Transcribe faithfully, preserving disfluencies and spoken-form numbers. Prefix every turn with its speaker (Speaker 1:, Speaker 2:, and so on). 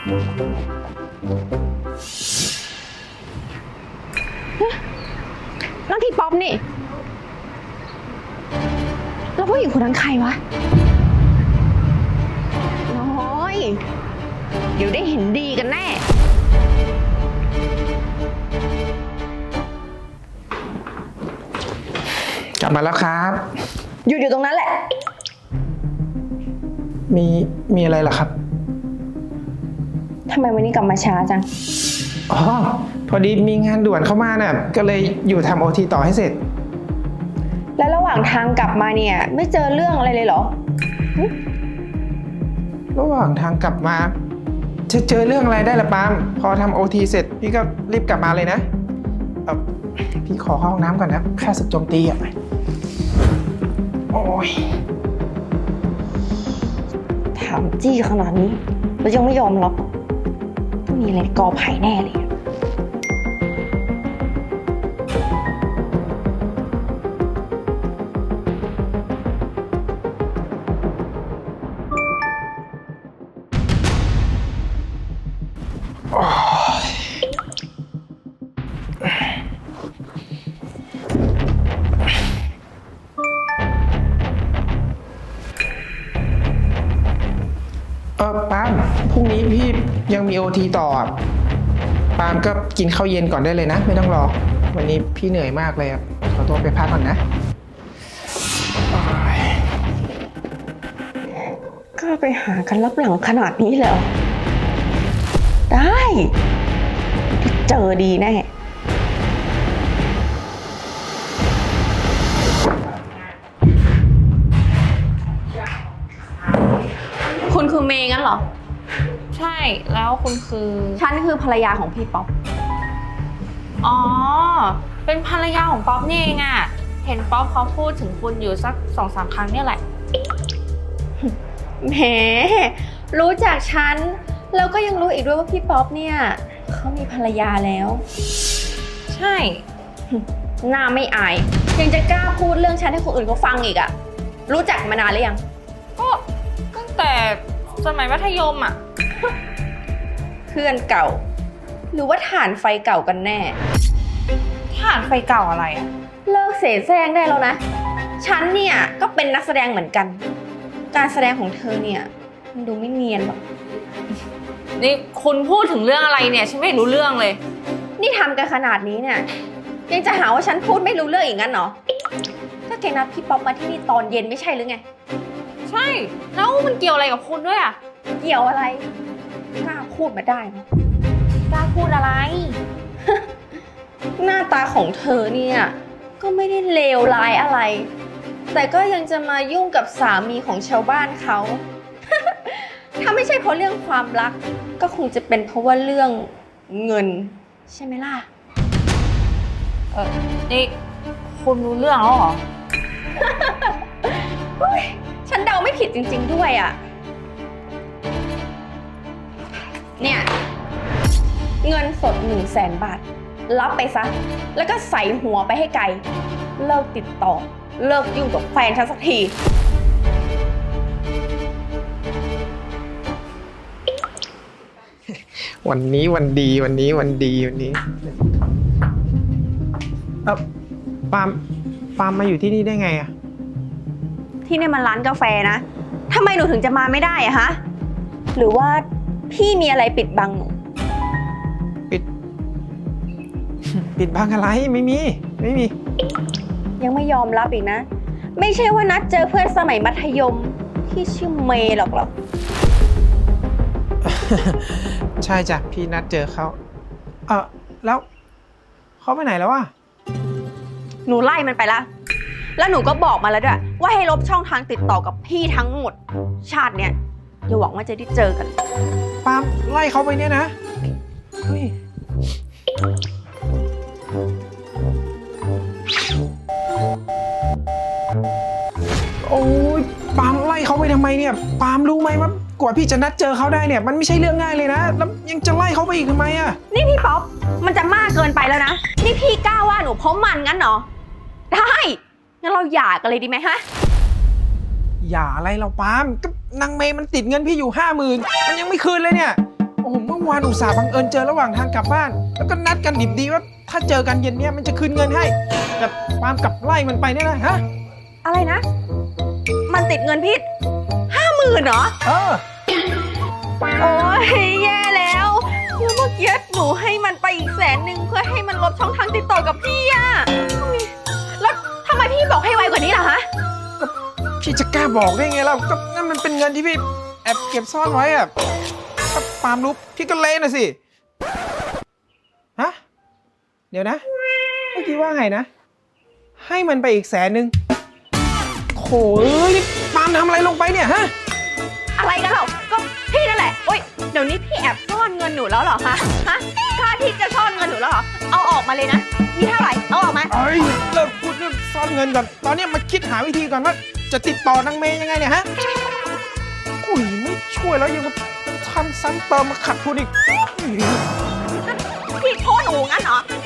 Speaker 1: นั่นพี่ป๊อปนี่แล้วผู้หญิงคนนั้นใครวะน้อยเดี๋ยวได้เห็นดีกันแน่
Speaker 2: กลับมาแล้วครับ
Speaker 1: หยุดอยู่ตรงนั้นแหละ
Speaker 2: มีมีอะไรเหรอครับ
Speaker 1: ทำไมวันนี้กลับมาช้าจัง
Speaker 2: อ๋อพอดีมีงานด่วนเข้ามาน่ะก็เลยอยู่ทำโอทีต่อให้เสร็จ
Speaker 1: แล้วระหว่างทางกลับมาเนี่ยไม่เจอเรื่องอะไรเลยเหรอ
Speaker 2: ระหว่างทางกลับมาจะเจอเรื่องอะไรได้ละปาล์มพอทำโอทีเสร็จพี่ก็รีบกลับมาเลยนะเออพี่ขอเข้าห้องน้ำก่อนนะค่าศึกโจมตีอ่ะโอ้ย
Speaker 1: ถามจี้ขนาดนี้แล้วยังไม่ยอมรับต้องมีอะไรกอไผ่แน่เลย
Speaker 2: เออปาล์มพรุ่งนี้พี่ยังมีโอทีต่อปาล์มก็กินข้าวเย็นก่อนได้เลยนะไม่ต้องรอวันนี้พี่เหนื่อยมากเลยขอตัวไปพักก่อนนะ
Speaker 1: ก็ไปหากันรับหลังขนาดนี้เลยเหรอได้เจอดีแน่คุณคือเมย์งั้นเหรอ
Speaker 3: ใช่แล้วคุณคือ
Speaker 1: ฉันคือภรรยาของพี่ป๊อป
Speaker 3: อ๋อเป็นภรรยาของป๊อปนี่เองอะเห็นป๊อปเขาพูดถึงคุณอยู่สักสองสามครั้งเนี่ยแหละ
Speaker 1: แหมรู้จักฉันแล้วก็ยังรู้อีกด้วยว่าพี่ป๊อปเนี่ยเขามีภรรยาแล้ว
Speaker 3: ใช่
Speaker 1: หน้าไม่อายยังจะกล้าพูดเรื่องฉันให้คนอื่นเขาฟังอีกอะรู้จักมานานหรือยัง
Speaker 3: ก็ตั้งแต่สมัยมัธยมอะ
Speaker 1: เพื่อนเก่าหรือว่าฐานไฟเก่ากันแน่
Speaker 3: ฐานไฟเก่าอะไรอะ
Speaker 1: เลิกเสแสร้งได้แล้วนะฉันเนี่ยก็เป็นนักแสดงเหมือนกันการแสดงของเธอเนี่ยมันดูไม่เนียนหรอก
Speaker 3: นี่คุณพูดถึงเรื่องอะไรเนี่ยฉันไม่รู้เรื่องเลย
Speaker 1: นี่ทำกันขนาดนี้เนี่ยยังจะหาว่าฉันพูดไม่รู้เรื่องอีกงั้นเหรอก็แกนัดพี่ป๊อปมาที่นี่ตอนเย็นไม่ใช่หรือไง
Speaker 3: ใช่แล้วมันเกี่ยวอะไรกับคุณด้วยอะ
Speaker 1: เกี่ยวอะไรกล้าพูดมาได้ไหม
Speaker 3: กล้าพูดอะไร
Speaker 1: หน้าตาของเธอเนี่ยก็ไม่ได้เลวร้ายอะไรแต่ก็ยังจะมายุ่งกับสามีของชาวบ้านเขา ถ้าไม่ใช่เพราะเรื่องความรักก็คงจะเป็นเพราะว่าเรื่องเงินใช่ไหมล่ะ
Speaker 3: เออนี่คุณรู้เรื่องแล้วเหรอ
Speaker 1: ฉันเดาไม่ผิดจริงๆด้วยอ่ะเนี่ยเงินสดหนึ่งแสนบาทรับไปซะแล้วก็ใส่หัวไปให้ไกลเลิกติดต่อเลิกยุ่งกับแฟนฉันสักที
Speaker 2: วันนี้วันดีวันนี้วันดีวันนี้เออปาล์มปาล์มมาอยู่ที่นี่ได้ไงอะ
Speaker 1: ที่นี่มันร้านกาแฟนะทำไมหนูถึงจะมาไม่ได้อะฮะหรือว่าพี่มีอะไรปิดบังหนู
Speaker 2: ปิดปิดบังอะไรไม่มีไม่มี
Speaker 1: ยังไม่ยอมรับอีกนะไม่ใช่ว่านัดเจอเพื่อนสมัยมัธยมที่ชื่อเมย์หรอกหรอ
Speaker 2: ใช่จ้ะพี่นัดเจอเขาเออแล้วเขาไปไหนแล้ววะ
Speaker 1: หนูไล่มันไปละแล้วหนูก็บอกมาแล้วด้วยว่าให้ลบช่องทางติดต่อกับพี่ทั้งหมดชาติเนี้ยอย่าหวังว่าจะได้เจอกัน
Speaker 2: ปาล์มไล่เขาไปเนี่ยนะเฮ้ยโอ้ยปาล์มไล่เขาไปทำไมเนี่ยปาล์มรู้ไหมว่ากว่าพี่จะนัดเจอเขาได้เนี่ยมันไม่ใช่เรื่องง่ายเลยนะแล้วยังจะไล่เขาไปอีกทำไมอะ
Speaker 1: นี่พี่ป๊อปมันจะมากเกินไปแล้วนะนี่พี่กล้าว่าหนูเพราะมันงั้นเหรอได้งั้นเราหย่ากันเลยดีไหมฮะ
Speaker 2: หย่าอะไรเราปาล์มก็นางเมย์มันติดเงินพี่อยู่ห้าหมื่นมันยังไม่คืนเลยเนี่ยโอ้โหมื่อวานอุตส่าห์บังเอิญเจอระหว่างทางกลับบ้าน แล้วก็นัดกันดิบดีว่าถ้าเจอกันเย็นเนี้ยมันจะคืนเงินให้แต่ปาล์มกลับไล่มันไปเนี่ยนะฮะ
Speaker 1: อะไรนะ มันติดเงินพี่ห้าหมื่นเหรอ
Speaker 2: เออ
Speaker 1: โอ้ยแย่แล้วแล้วเมื่อกี้หนูให้มันไปอีกแสนหนึ่งเพื่อให้มันลบช่องทางติดต่อกับพี่อะอุ๊ยแล้วทำไมพี่บอกให้ไวกว่านี้ล่ะฮะ
Speaker 2: พี่จะกล้าบอกได้ไงเราก็นั่นมันเป็นเงินที่พี่แอบเก็บซ่อนไว้อะถ้าปาล์มรู้พี่ก็เละนะสิ ฮะ เดี๋ยวนะ เมื่อกี้ว่าไงนะ ให้มันไปอีกแสนหนึ่งโถเอ้ยนี่ปาล์มทำอะไรลงไปเนี่ยฮะ
Speaker 1: อะไรกันเหรอก็พี่นั่นแหละโอ๊ยเดี๋ยวนี้พี่แอบซ่อนเงินหนูแล้วเหรอคะฮะกล้าที่จะซ่อนเงินหนูแล้วเหรอเอาออกมาเลยนะมีเท่าไหร่เอาออกมา
Speaker 2: เอ้ยเลิกพูดเรื่องซ่อนเงินก่อน ตอนนี้มาคิดหาวิธีก่อนว่าจะติดต่อนางเมย์ยังไงเนี่ยฮะอุ้ยไม่ช่วยแล้วยังมาทำซ้ำเติมมาขัดทุนอีก
Speaker 1: พี่โทษหนูงั้นเหรอ